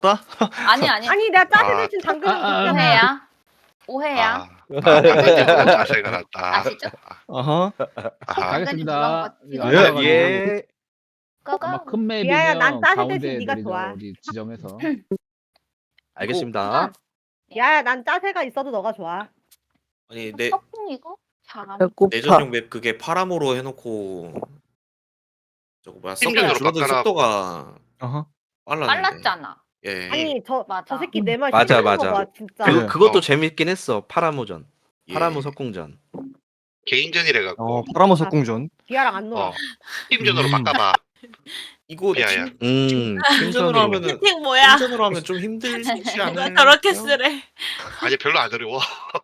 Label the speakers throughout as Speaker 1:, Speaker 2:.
Speaker 1: 졌다?
Speaker 2: 아니
Speaker 3: 아니 내가 짜세
Speaker 4: 아.
Speaker 3: 대신 당근을 줬잖아.
Speaker 2: 오해야. 오해야.
Speaker 4: 당근적으로 자세가 났다.
Speaker 2: 아시죠?
Speaker 1: 어허.
Speaker 4: 아하.
Speaker 5: 가겠습니다.
Speaker 2: 당근이
Speaker 1: 예.
Speaker 2: 꺼가.
Speaker 5: 아마 큰
Speaker 3: 미아야, 난
Speaker 5: 맵이면
Speaker 3: 짜세
Speaker 5: 가운데
Speaker 3: 대신 네가
Speaker 5: 내리자.
Speaker 3: 좋아.
Speaker 5: 어디 지정해서.
Speaker 1: 알겠습니다.
Speaker 3: 야야 난 짜세가 있어도 너가 좋아.
Speaker 6: 아니 내
Speaker 2: 떡국 이거 잘안
Speaker 6: 내전용 맵 그게 파라모로 해놓고 저거 뭐야
Speaker 4: 팀전으로
Speaker 6: 줄어든
Speaker 4: 바꿔라.
Speaker 6: 속도가
Speaker 1: 어허.
Speaker 6: 빨랐는데.
Speaker 2: 빨랐잖아.
Speaker 6: 예.
Speaker 3: 아니 저
Speaker 2: 맞아.
Speaker 3: 새끼 내 말
Speaker 7: 맞아,
Speaker 3: 싫어하는 거
Speaker 7: 맞아.
Speaker 3: 봐, 진짜.
Speaker 1: 그-
Speaker 7: 그것도
Speaker 4: 어.
Speaker 7: 재밌긴 했어. 파라모전.
Speaker 6: 예.
Speaker 7: 파라모 석궁전.
Speaker 4: 개인전이래 갖고.
Speaker 1: 파라모 석궁전.
Speaker 3: 기아랑 안 놀아.
Speaker 4: 어. 팀전으로 바꿔봐.
Speaker 6: 이거
Speaker 4: 야야.
Speaker 6: 팀전으로
Speaker 7: 팀전으로
Speaker 6: 하면은
Speaker 8: 채팅 뭐야?
Speaker 6: 팀전으로 하면 좀 힘들지
Speaker 8: 누가
Speaker 6: 않아요?
Speaker 8: 저렇게 쓰래?
Speaker 4: 아니 별로 안 어려워.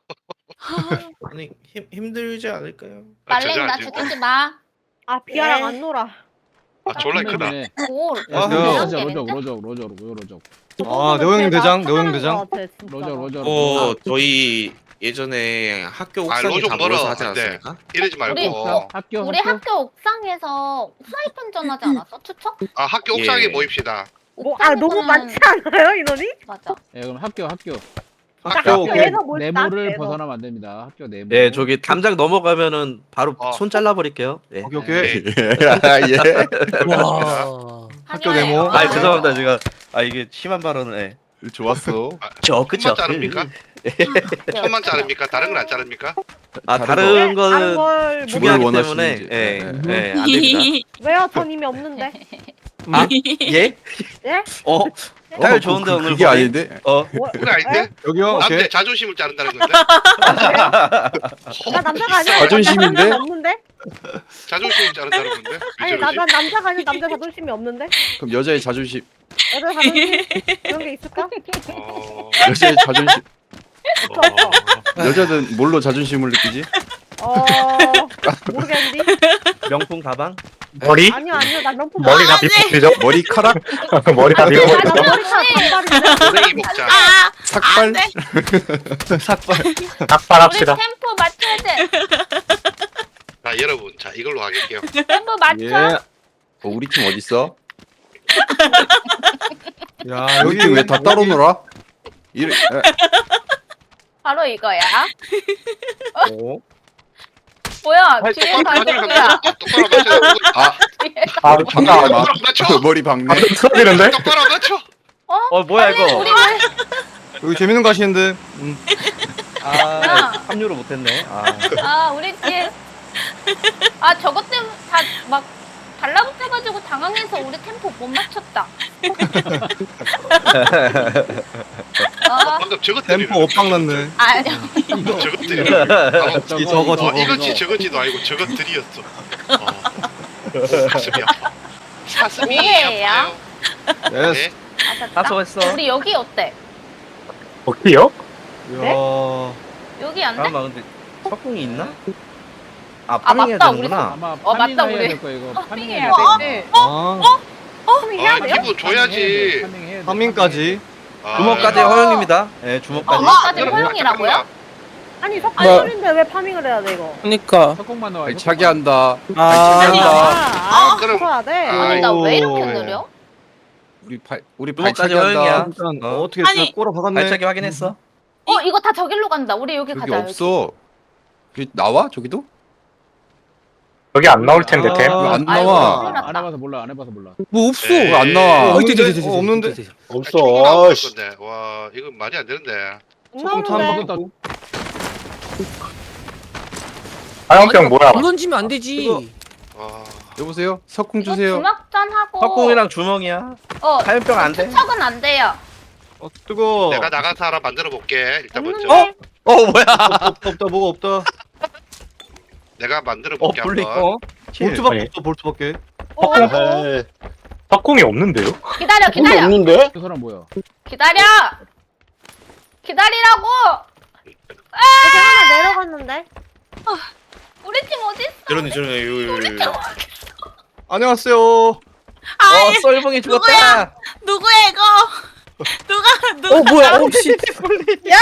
Speaker 6: 아니 힘들지 않을까요?
Speaker 2: 말랭 나
Speaker 4: 저저
Speaker 2: 죽이지 마.
Speaker 3: 아 비아랑
Speaker 8: 네.
Speaker 3: 안 놀아.
Speaker 4: 아 졸라 크다.
Speaker 5: 맵이네.
Speaker 2: 올.
Speaker 5: 야,
Speaker 1: 아,
Speaker 5: 로저,
Speaker 2: 개인데?
Speaker 5: 로저.
Speaker 1: 아, 네오형 대장, 네오형 대장.
Speaker 5: 로저.
Speaker 6: 저희 예전에 학교 옥상에
Speaker 4: 로좀
Speaker 6: 다
Speaker 4: 멀어.
Speaker 6: 모여서 하지
Speaker 4: 안 돼.
Speaker 6: 않았습니까?
Speaker 4: 이러지 말고.
Speaker 2: 우리-
Speaker 5: 학교.
Speaker 2: 우리 학교 옥상에서 프라이팬전 하지 않았어? 추석?
Speaker 4: 아 학교 옥상에
Speaker 6: 예.
Speaker 4: 모입시다.
Speaker 3: 아 너무 많지 않아요 인원이?
Speaker 2: 맞아.
Speaker 5: 예, 그럼 학교.
Speaker 1: 학교
Speaker 3: 내에서 뭘
Speaker 5: 네모를
Speaker 3: 땄어,
Speaker 5: 벗어나면 안 됩니다. 학교 네모.
Speaker 7: 예, 저기 담장 넘어가면은 바로 손 잘라버릴게요. 예.
Speaker 1: 오케이, 오케이.
Speaker 4: 예.
Speaker 8: 와.
Speaker 1: 학교 네모.
Speaker 2: 아,
Speaker 7: 아, 죄송합니다. 제가 이게 심한 발언을 해.
Speaker 1: 좋았어.
Speaker 4: 그쵸. 자릅니까? 손만 자릅니까? 다른 건 안 자릅니까?
Speaker 7: 아,
Speaker 1: 다른
Speaker 7: 다른
Speaker 3: 다른
Speaker 7: 거는
Speaker 3: 걸
Speaker 7: 중요하기
Speaker 1: 뭘
Speaker 7: 때문에
Speaker 1: 원하시는지.
Speaker 7: 예,
Speaker 1: 네.
Speaker 7: 예, 안 됩니다.
Speaker 3: 왜요? 전 이미 없는데.
Speaker 7: 아, 예?
Speaker 3: 예?
Speaker 7: 타율 좋은데 오늘
Speaker 1: 그게
Speaker 7: 보니?
Speaker 1: 아닌데.
Speaker 3: 뭐,
Speaker 4: 그게 아닌데?
Speaker 1: 여기요. 오케이.
Speaker 4: 남자 자존심을 자른다는 건데?
Speaker 3: 나 남자가 아니야.
Speaker 1: 자존심인데?
Speaker 3: 남자가 없는데?
Speaker 4: 자존심을 자른다는 건데?
Speaker 3: 아니 난 남자가 아니야. 남자 자존심이 없는데?
Speaker 1: 그럼 여자의 자존심.
Speaker 3: 여자 자존심 그런 게 있을까?
Speaker 1: 여자의 자존심.
Speaker 4: 어.
Speaker 1: 여자는 뭘로 자존심을 느끼지?
Speaker 3: 모르겠는데.
Speaker 7: 명품 가방?
Speaker 9: 머리?
Speaker 3: 아니요 난 명품
Speaker 9: 머리가 비프죠?
Speaker 1: 머리카락?
Speaker 9: 머리가
Speaker 3: 나
Speaker 9: 비프죠?
Speaker 3: 머리카락 반발인데.
Speaker 4: 고랭이 먹자.
Speaker 8: 아,
Speaker 1: 삭발? 삭발.
Speaker 2: 우리
Speaker 9: 삭발합시다.
Speaker 2: 템포 맞춰야 돼.
Speaker 4: 자 여러분, 자 이걸로 하겠게요.
Speaker 2: 템포 맞춰.
Speaker 1: 예. 우리 팀 어디 있어? 야, 여기 팀 왜 다 따로 놀아? 이래.
Speaker 2: 바로 이거야.
Speaker 1: 어?
Speaker 2: 뭐야? 뒤에 가족이야.
Speaker 4: 똑바로 맞춰.
Speaker 9: 아,
Speaker 2: 뒤에.
Speaker 9: 잠깐만.
Speaker 4: 똑바로 맞춰.
Speaker 1: 머리 박네.
Speaker 9: 틀어지는데?
Speaker 4: 똑바로 맞춰.
Speaker 7: 뭐야
Speaker 2: 아니,
Speaker 7: 이거?
Speaker 2: 우리 왜?
Speaker 1: 여기 재밌는 거 하시는데.
Speaker 7: 아, 합류를 못했네. 아,
Speaker 2: 우리 뒤에. 저것 때문에 다 막 달라붙어가지고 당황해서 우리 템포 못 맞췄다.
Speaker 4: 방금 저것들이.
Speaker 1: 템포 오빵 났네.
Speaker 2: 아니요.
Speaker 4: 저것들이.
Speaker 1: 저거.
Speaker 4: 이거지 저거지도 아니고 저것들이었어. 가슴이 아파. 가슴이
Speaker 2: 뭐예요?
Speaker 4: 아파요.
Speaker 1: 예스.
Speaker 2: 맞았다.
Speaker 7: 수고했어.
Speaker 2: 우리 여기 어때?
Speaker 9: 어디요?
Speaker 3: 네?
Speaker 1: 야.
Speaker 2: 여기 안 돼?
Speaker 7: 잠깐만 근데 석궁이 있나? 아,
Speaker 2: 아,
Speaker 7: 파밍해야
Speaker 2: 맞다,
Speaker 7: 되는구나.
Speaker 5: 아마
Speaker 2: 맞다,
Speaker 5: 파밍해야
Speaker 2: 우리.
Speaker 5: 될 거야 이거.
Speaker 2: 파밍해야
Speaker 5: 파밍해야
Speaker 2: 되지.
Speaker 1: 아,
Speaker 3: 해야 돼요?
Speaker 4: 기분 줘야지.
Speaker 5: 파밍해야 돼.
Speaker 1: 파밍까지.
Speaker 7: 주먹까지 허용입니다. 예, 주먹까지.
Speaker 2: 엄마까지 허용이라고요?
Speaker 3: 아니 석발인데 왜 파밍을 해야 돼 이거?
Speaker 8: 그니까.
Speaker 5: 석공만 나와.
Speaker 1: 차게 한다.
Speaker 8: 아,
Speaker 1: 한다.
Speaker 4: 그럼-
Speaker 3: 써야 돼.
Speaker 2: 아니 나 왜 이렇게
Speaker 1: 오.
Speaker 2: 느려?
Speaker 1: 우리
Speaker 7: 주먹까지
Speaker 1: 발차기
Speaker 7: 허용이야.
Speaker 1: 한다. 일단 어떻게
Speaker 8: 아니.
Speaker 1: 꼬라 박았네.
Speaker 7: 발차기 확인했어?
Speaker 2: 이거 다 저길로 간다. 우리 여기
Speaker 1: 여기
Speaker 2: 가자.
Speaker 1: 없어. 여기 나와? 저기도?
Speaker 9: 여기 안 나올 텐데, 템.
Speaker 1: 왜 안
Speaker 2: 아이고,
Speaker 1: 나와?
Speaker 2: 큰일 났다.
Speaker 5: 안 해봐서 몰라.
Speaker 8: 뭐 없어.
Speaker 4: 네.
Speaker 1: 왜 안 나와?
Speaker 8: 있대.
Speaker 1: 없는데.
Speaker 9: 없어. 아씨.
Speaker 4: 건데. 와 이거 말이 안 되는데.
Speaker 1: 조금 타
Speaker 3: 나오는데.
Speaker 1: 먹었다.
Speaker 9: 화염병 뭐야?
Speaker 8: 안 던지면 안 되지.
Speaker 4: 와.
Speaker 1: 여보세요? 석궁
Speaker 2: 이거
Speaker 1: 주세요.
Speaker 2: 주먹전 하고.
Speaker 7: 석궁이랑 주먹이야. 화염병 안 돼.
Speaker 2: 투척은 안 돼요.
Speaker 1: 뜨거.
Speaker 4: 내가 나가서 하나 만들어 볼게. 일단 먼저.
Speaker 2: 없는데?
Speaker 7: 뭐야?
Speaker 1: 없다 뭐가 없다.
Speaker 4: 내가 만들어 볼게
Speaker 7: 분리.
Speaker 4: 한번.
Speaker 1: 볼트밖에
Speaker 9: 아니.
Speaker 1: 없어 볼트밖에.
Speaker 9: 석궁이 없는데요?
Speaker 2: 기다려.
Speaker 9: 없는데?
Speaker 5: 그 사람 뭐야?
Speaker 2: 기다려. 기다리라고.
Speaker 3: 이렇게 하나 내려갔는데.
Speaker 2: 우리 팀 어디 있어?
Speaker 6: 저러네.
Speaker 1: 안녕하세요.
Speaker 8: 아,
Speaker 7: 썰봉이 죽었다.
Speaker 8: 누구야 이거? 누가 뭐야? 씨. 야!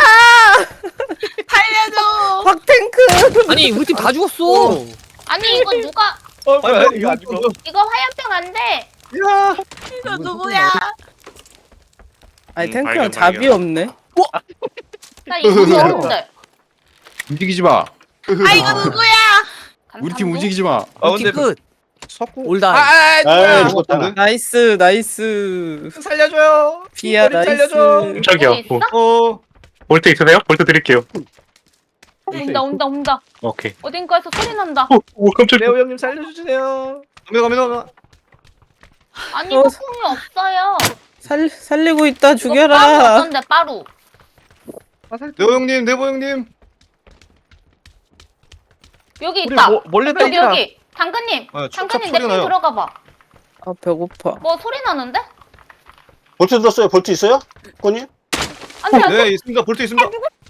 Speaker 8: 살려줘. 박탱크. 아니 우리 팀 다 죽었어.
Speaker 2: 아니 이거 누가?
Speaker 7: 뭐야 이거 안 죽어.
Speaker 2: 이거 화염병 안 돼.
Speaker 1: 야.
Speaker 8: 이거 누구야? 아니 탱크
Speaker 6: 발견,
Speaker 8: 형 잡이
Speaker 6: 발견.
Speaker 8: 없네.
Speaker 2: 나 이거 어른들.
Speaker 1: 움직이지 마.
Speaker 8: 아 이거 누구야?
Speaker 1: 우리 팀 움직이지 마.
Speaker 7: 근데
Speaker 8: 끝.
Speaker 7: 석궁
Speaker 8: 올다.
Speaker 9: 아 죽었다.
Speaker 8: 나이스 나이스.
Speaker 7: 살려줘요.
Speaker 8: 비야
Speaker 7: 머리
Speaker 8: 나이스.
Speaker 7: 살려줘.
Speaker 9: 깜짝이야.
Speaker 2: 어디 있어?
Speaker 9: 볼트 있으세요? 볼트 드릴게요.
Speaker 2: 온다.
Speaker 9: 오케이.
Speaker 2: 어딘가에서 소리 난다.
Speaker 9: 오 깜짝이야.
Speaker 7: 레오 형님 살려주세요.
Speaker 4: 갑니다.
Speaker 2: 아니
Speaker 8: 어.
Speaker 2: 폭풍이 없어요.
Speaker 8: 살리고 있다
Speaker 2: 빠루
Speaker 8: 죽여라.
Speaker 2: 어떤데 빠루?
Speaker 4: 네오 형님, 네보 형님.
Speaker 2: 여기
Speaker 7: 우리
Speaker 2: 있다.
Speaker 7: 몰래
Speaker 2: 여기
Speaker 7: 다니자.
Speaker 2: 여기. 당근님.
Speaker 4: 아,
Speaker 2: 당근님
Speaker 4: 소리
Speaker 2: 내 팀
Speaker 4: 나요.
Speaker 2: 들어가 봐.
Speaker 8: 아 배고파.
Speaker 2: 뭐 소리 나는데?
Speaker 10: 볼트 들었어요? 볼트 있어요? 꼬님?
Speaker 2: 안돼 안돼.
Speaker 4: 네, 있습니다. 볼트 있습니다.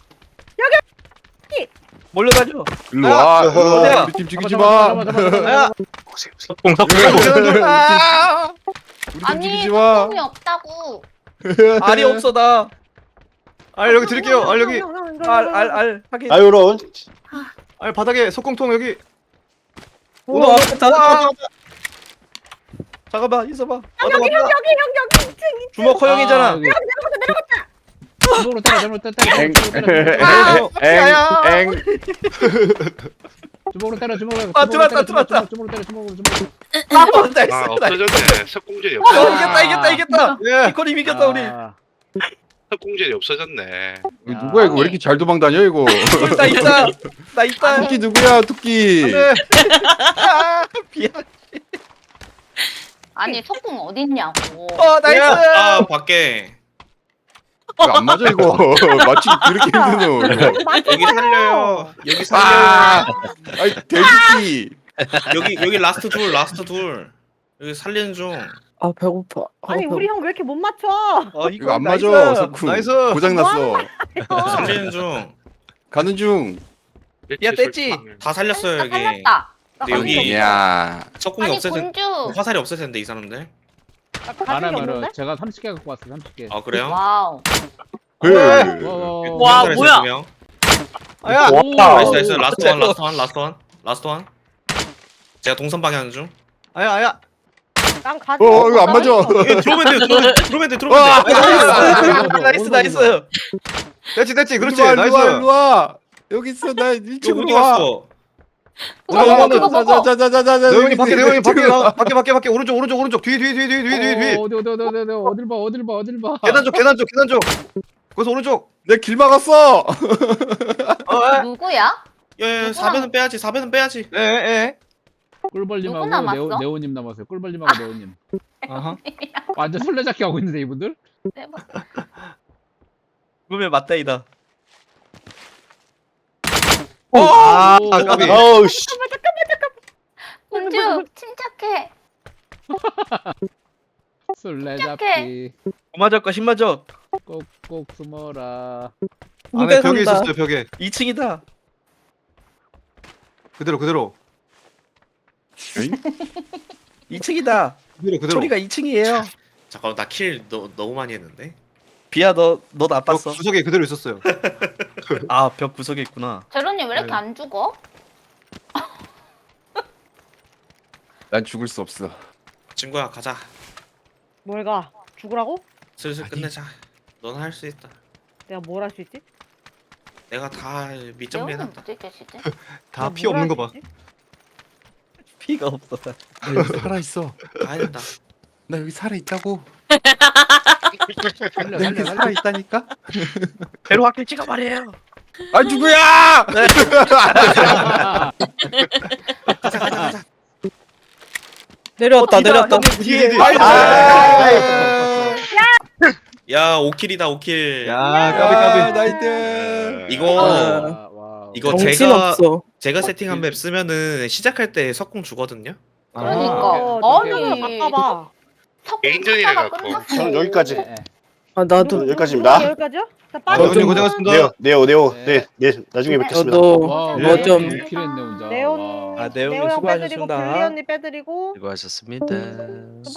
Speaker 7: 몰래 다녀.
Speaker 1: 일로 와.
Speaker 10: 어디야?
Speaker 1: 우리 팀 죽이지 마.
Speaker 9: 석궁 석궁.
Speaker 1: 우리 팀
Speaker 2: 아니
Speaker 1: 죽이지 마.
Speaker 2: 폭풍이 없다고.
Speaker 7: 알이 없어 나.
Speaker 4: 알 여기 드릴게요. 알 여기.
Speaker 7: 알 하긴.
Speaker 10: 아유, 그럼.
Speaker 4: 알 바닥에 속공통 여기.
Speaker 8: 오 앞에
Speaker 7: 잠깐만 있어봐.
Speaker 3: 여기
Speaker 7: 주먹 허용이잖아.
Speaker 5: 여기. 주먹으로 때려, 주먹으로 때려.
Speaker 1: 엥.
Speaker 5: 주먹으로 때려, 주먹으로.
Speaker 7: 아, 들어왔다, 들어왔다.
Speaker 5: 주먹으로 때려, 주먹으로, 주먹으로.
Speaker 7: 나이스.
Speaker 4: 아, 없어졌네. 석공젤이
Speaker 7: 어,
Speaker 4: 없어졌네.
Speaker 7: 이겼다.
Speaker 4: 예.
Speaker 7: 이코님 이겼다 우리.
Speaker 4: 석공젤이 없어졌네.
Speaker 1: 누구야 이거 왜 이렇게 잘 도망다녀 이거?
Speaker 7: 나 있다. 나 있다.
Speaker 1: 토끼 누구야 토끼?
Speaker 4: 네.
Speaker 7: 비야.
Speaker 2: 아니 석궁 어딨냐고.
Speaker 7: 나이스.
Speaker 6: 아 밖에
Speaker 1: 이거 안 맞아 이거. 맞추기 그렇게 힘드노. 이거.
Speaker 6: 여기 살려요. 여기 살려요.
Speaker 1: 아, 아이 돼지끼.
Speaker 6: 여기 라스트 둘. 여기 살리는 중.
Speaker 8: 아 배고파.
Speaker 3: 아니 우리 형 왜 이렇게 못 맞춰?
Speaker 1: 이거 안 맞아 석쿠.
Speaker 4: 나이스.
Speaker 1: 고장 났어.
Speaker 6: 살리는 중.
Speaker 1: 가는 중.
Speaker 7: 야, 뗐지?
Speaker 6: 다 살렸어요
Speaker 2: 나
Speaker 6: 여기.
Speaker 2: 살렸다.
Speaker 6: 근데 여기
Speaker 1: 야.
Speaker 6: 석궁이
Speaker 2: 아니
Speaker 6: 없을 텐데
Speaker 2: 군주.
Speaker 6: 화살이 없을 텐데 이 사람들.
Speaker 5: 많으면은 제가 30개 갖고 왔어, 30개.
Speaker 6: 아 그래요?
Speaker 2: 와우.
Speaker 8: 와,
Speaker 6: 두 명
Speaker 8: 뭐야?
Speaker 6: 살았어요, 두 명.
Speaker 4: 아야.
Speaker 9: 와.
Speaker 6: 나이스. 라스트 원. 제가 동선 방향 중.
Speaker 4: 아야.
Speaker 3: 난 가지.
Speaker 1: 이거 안 맞아.
Speaker 6: 들어오면 돼.
Speaker 7: 나이스.
Speaker 4: 됐지. 그렇지.
Speaker 1: 일로 와,
Speaker 4: 나이스.
Speaker 1: 일로 와. 여기 있어 나
Speaker 6: 어디
Speaker 1: 1층으로 와.
Speaker 6: 갔어?
Speaker 2: 그거 먹어 그거 먹어.
Speaker 1: 자자자자자자.
Speaker 4: 네오 형님 밖에 밖에 오른쪽 뒤.
Speaker 5: 어딜 봐.
Speaker 4: 계단 쪽. 거기서 오른쪽.
Speaker 1: 내 길 막았어.
Speaker 2: 누구야?
Speaker 6: 야, 4배는 빼야지.
Speaker 4: 예.
Speaker 2: 누구
Speaker 5: 꿀벌님하고
Speaker 2: 남았어?
Speaker 5: 네오님 남았어요. 꿀벌님하고 네오님.
Speaker 4: 아하.
Speaker 5: 완전 술래잡기 하고 있는데 이분들?
Speaker 2: 대박.
Speaker 7: 그러면 맞다이다.
Speaker 4: 까비.
Speaker 10: 어우, 씨.
Speaker 2: 군주 침착해.
Speaker 5: 술래잡기.
Speaker 7: 맞을까 10맞아.
Speaker 5: 꼭꼭 숨어라.
Speaker 4: 안에 벽에 있었어요, 벽에.
Speaker 7: 2층이다.
Speaker 4: 그대로.
Speaker 7: 2층이다.
Speaker 4: 그대로.
Speaker 7: 소리가 2층이에요.
Speaker 6: 잠깐만 나 킬 너무 많이 했는데.
Speaker 7: 비야 너
Speaker 4: 벽
Speaker 7: 나빴어.
Speaker 4: 구석에 그대로 있었어요.
Speaker 7: 아 벽 구석에 있구나.
Speaker 2: 제로님 왜 이렇게 안 죽어?
Speaker 1: 난 죽을 수 없어.
Speaker 6: 친구야 가자.
Speaker 3: 뭘 가? 죽으라고?
Speaker 6: 슬슬 끝내자. 넌 할 수 있다.
Speaker 3: 내가 뭘 할 수 있지?
Speaker 6: 내가 다 밑정리
Speaker 2: 제로님
Speaker 6: 해놨다.
Speaker 2: 어디 계시지?
Speaker 4: 다 피 없는 거 봐.
Speaker 7: 피가 없어.
Speaker 1: 나 여기 살아 있어.
Speaker 6: 가야 된다.
Speaker 1: 나 여기 살아 있다고.
Speaker 5: 살려
Speaker 1: 나 여기
Speaker 5: 살려
Speaker 1: 살아
Speaker 5: 살려.
Speaker 1: 있다니까.
Speaker 7: 배로 학교 찍어 말이에요.
Speaker 1: 아 누구야?
Speaker 8: 내려왔다 내려왔다.
Speaker 7: 뒤에.
Speaker 6: 야 5킬이다 5킬.
Speaker 4: 야,
Speaker 1: 아,
Speaker 4: 까비.
Speaker 1: 나이트.
Speaker 6: 이거
Speaker 5: 와우.
Speaker 6: 이거
Speaker 8: 정신 없어.
Speaker 6: 제가 세팅한 맵 쓰면은 시작할 때 석궁 주거든요.
Speaker 2: 그러니까. 아니.
Speaker 3: 바꿔봐.
Speaker 4: 개인전이네,
Speaker 2: 석궁
Speaker 4: 갖고.
Speaker 2: 끝났어.
Speaker 10: 저는 여기까지.
Speaker 8: 아 나도
Speaker 10: 여기까지입니다.
Speaker 3: 여기까지요? 자,
Speaker 4: 아,
Speaker 3: 빠져.
Speaker 4: 형님 고생하셨습니다.
Speaker 10: 네오.
Speaker 5: 네.
Speaker 10: 나중에 뵙겠습니다.
Speaker 8: 너도
Speaker 2: 와.
Speaker 8: 뭐 좀.
Speaker 5: 킬했네 혼자.
Speaker 3: 네온
Speaker 5: 와.
Speaker 7: 아, 네온
Speaker 3: 네온 형 빼드리고
Speaker 7: 수고하셨습니다.
Speaker 3: 블리 언니 빼드리고
Speaker 7: 수고하셨습니다.